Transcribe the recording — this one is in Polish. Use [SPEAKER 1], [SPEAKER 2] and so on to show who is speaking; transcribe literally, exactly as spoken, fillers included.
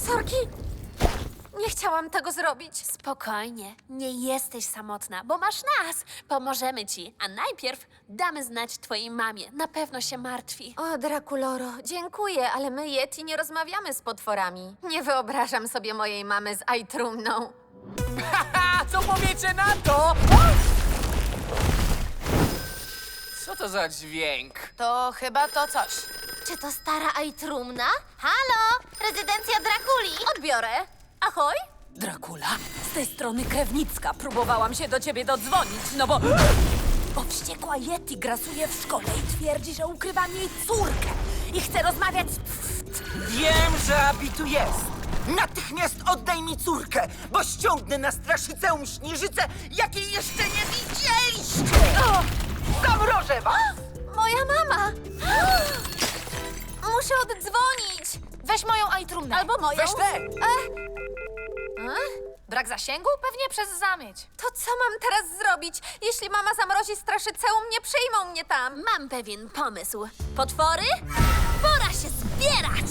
[SPEAKER 1] Sorki! Nie chciałam tego zrobić.
[SPEAKER 2] Spokojnie, nie jesteś samotna, bo masz nas. Pomożemy ci, a najpierw damy znać twojej mamie. Na pewno się martwi.
[SPEAKER 1] O, Drakuloro, dziękuję, ale my, Yeti, nie rozmawiamy z potworami. Nie wyobrażam sobie mojej mamy z Aitrumną.
[SPEAKER 3] Haha, co powiecie na to? Co to za dźwięk?
[SPEAKER 4] To chyba to coś.
[SPEAKER 1] Czy to stara Aitrumna? Halo, rezydencja Drakuli. Odbiorę. Ahoj.
[SPEAKER 5] Dracula, z tej strony Krewnicka. Próbowałam się do ciebie dodzwonić, no bo... Bo wściekła Yeti grasuje w szkole i twierdzi, że ukrywam jej córkę. I chce rozmawiać z...
[SPEAKER 6] Wiem, że Abi tu jest! Natychmiast oddaj mi córkę, bo ściągnę na straszyceum śnieżycę, jakiej jeszcze nie widzieliście! Zamrożę was!
[SPEAKER 1] Moja mama. Muszę oddzwonić.
[SPEAKER 4] Weź moją Aitrumnę.
[SPEAKER 1] Albo moją.
[SPEAKER 3] Weź tę!
[SPEAKER 1] E?
[SPEAKER 4] Brak zasięgu? Pewnie przez zamieć.
[SPEAKER 1] To co mam teraz zrobić? Jeśli mama zamrozi straszyceum, nie przyjmą mnie tam.
[SPEAKER 2] Mam pewien pomysł. Potwory? Pora się zbierać!